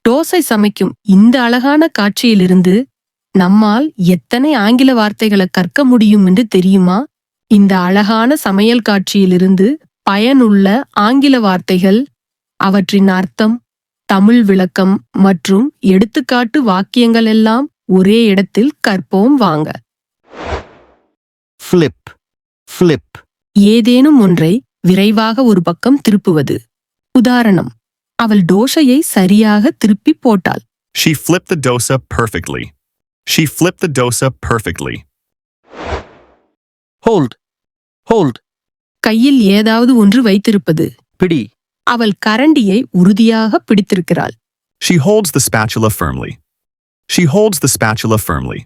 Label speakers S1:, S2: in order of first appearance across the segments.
S1: தோசை சமைக்கும் இந்த அழகான காட்சியிலிருந்து நம்மால் எத்தனை ஆங்கில வார்த்தைகளை கற்க முடியும் என்று தெரியுமா? இந்த அழகான சமையல் காட்சியிலிருந்து பயனுள்ள ஆங்கில வார்த்தைகள், அவற்றின் அர்த்தம், தமிழ் விளக்கம் மற்றும் எடுத்துக்காட்டு வாக்கியங்கள் எல்லாம் ஒரே இடத்தில் கற்போம் வாங்க.
S2: Flip. Flip.
S1: ஏதேனும் ஒன்றை விரைவாக ஒரு பக்கம் திருப்புவது. உதாரணம், அவள் தோசையை சரியாக திருப்பி போட்டாள்.
S3: She flipped the dosa perfectly. She flipped the dosa perfectly.
S2: Hold. Hold.
S1: கையில் ஏதாவது ஒன்று வைத்திருப்பது.
S2: பிடி.
S1: அவள் கரண்டியை உறுதியாக பிடித்திருக்கிறாள்.
S3: She holds the spatula firmly. She holds the spatula firmly.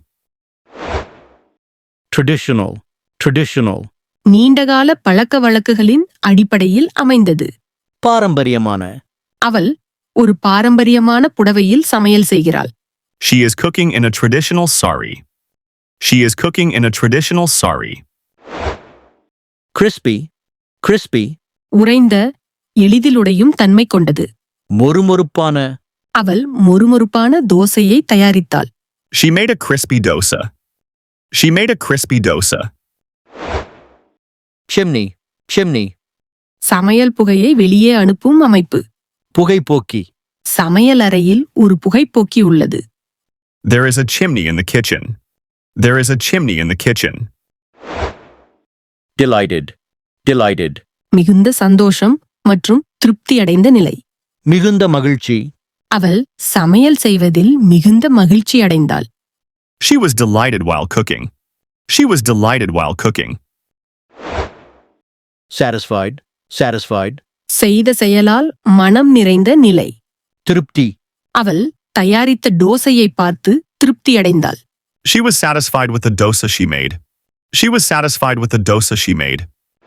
S2: Traditional. Traditional.
S1: நீண்டகால பழக்க வழக்குகளின் அடிப்படையில் அமைந்தது.
S2: பாரம்பரியமான.
S1: அவள் ஒரு பாரம்பரியமான புடவையில் சமையல் செய்கிறாள்.
S3: She is cooking in a traditional sari. She is cooking in a traditional sari.
S2: Crispy. Crispy.
S1: உறைந்த, எளிதில் உடையும் தன்மை கொண்டது.
S2: மொறுமொறுப்பான.
S1: அவள் மொறுமொறுப்பான தோசையை தயாரித்தாள்.
S3: She made a crispy dosa. She made a crispy dosa.
S2: Chimney. Chimney.
S1: சமையல் புகையை வெளியே அனுப்பும் அமைப்பு.
S2: புகைப்போக்கி.
S1: சமையல் அறையில் ஒரு புகைப்போக்கி உள்ளது.
S3: There is a chimney in the kitchen. There is a chimney in the kitchen.
S2: Delighted. Delighted.
S1: மிகுந்த சந்தோஷம் மற்றும் திருப்தி அடைந்த நிலை.
S2: மிகுந்த மகிழ்ச்சி.
S1: அவள் சமையல் செய்வதில் மிகுந்த மகிழ்ச்சி அடைந்தாள்.
S3: She was delighted while cooking. She was delighted while cooking.
S2: Satisfied. Satisfied.
S1: செய்த செயலால் மனம் நிறைந்த நிலை.
S2: திருப்தி.
S1: அவள் தயாரித்த தோசையை பார்த்து திருப்தி அடைந்தாள்.
S3: She was satisfied with the dosa she made. She was satisfied with the dosa she made.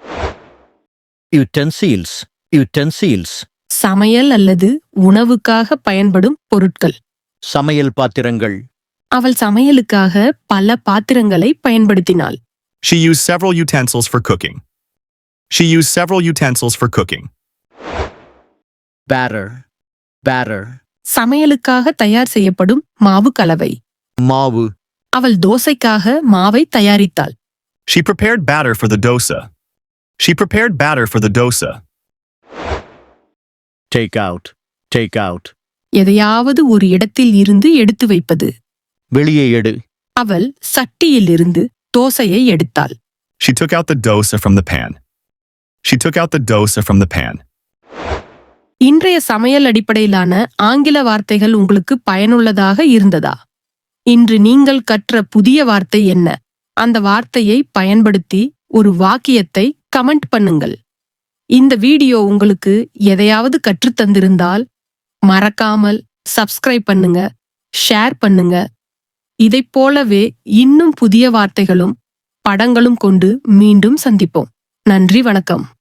S2: Utensils. Utensils.
S1: சமையல் அல்லது உணவுக்காக பயன்படும் பொருட்கள்.
S2: சமையல் பாத்திரங்கள்.
S1: அவள் சமையலுக்காக பல பாத்திரங்களை பயன்படுத்தினாள்.
S3: She used several utensils for cooking. She used several utensils for cooking.
S2: Batter. Batter.
S1: சமையலுக்காக தயார் செய்யப்படும் மாவு கலவை.
S2: மாவு.
S1: அவள் தோசைக்காக மாவை தயாரித்தாள்.
S3: She prepared batter for the dosa. She prepared batter for the dosa.
S2: Take out. Take out.
S1: எதையாவது ஒரு இடத்தில் இருந்து எடுத்து வைப்பது.
S2: வெளியே எடு.
S1: அவள் சட்டியில் இருந்து தோசையை எடுத்தாள்.
S3: She took out the dosa from the pan. She took out the dosa from the pan.
S1: இன்றைய சமையல் அடிப்படையிலான ஆங்கில வார்த்தைகள் உங்களுக்கு பயனுள்ளதாக இருந்ததா? இன்று நீங்கள் கற்ற புதிய வார்த்தை என்ன? அந்த வார்த்தையை பயன்படுத்தி ஒரு வாக்கியத்தை கமெண்ட் பண்ணுங்கள். இந்த வீடியோ உங்களுக்கு எதையாவது கற்றுத்தந்திருந்தால் மறக்காமல் சப்ஸ்கிரைப் பண்ணுங்க, ஷேர் பண்ணுங்க. இதைப் போலவே இன்னும் புதிய வார்த்தைகளும் படங்களும் கொண்டு மீண்டும் சந்திப்போம். நன்றி, வணக்கம்.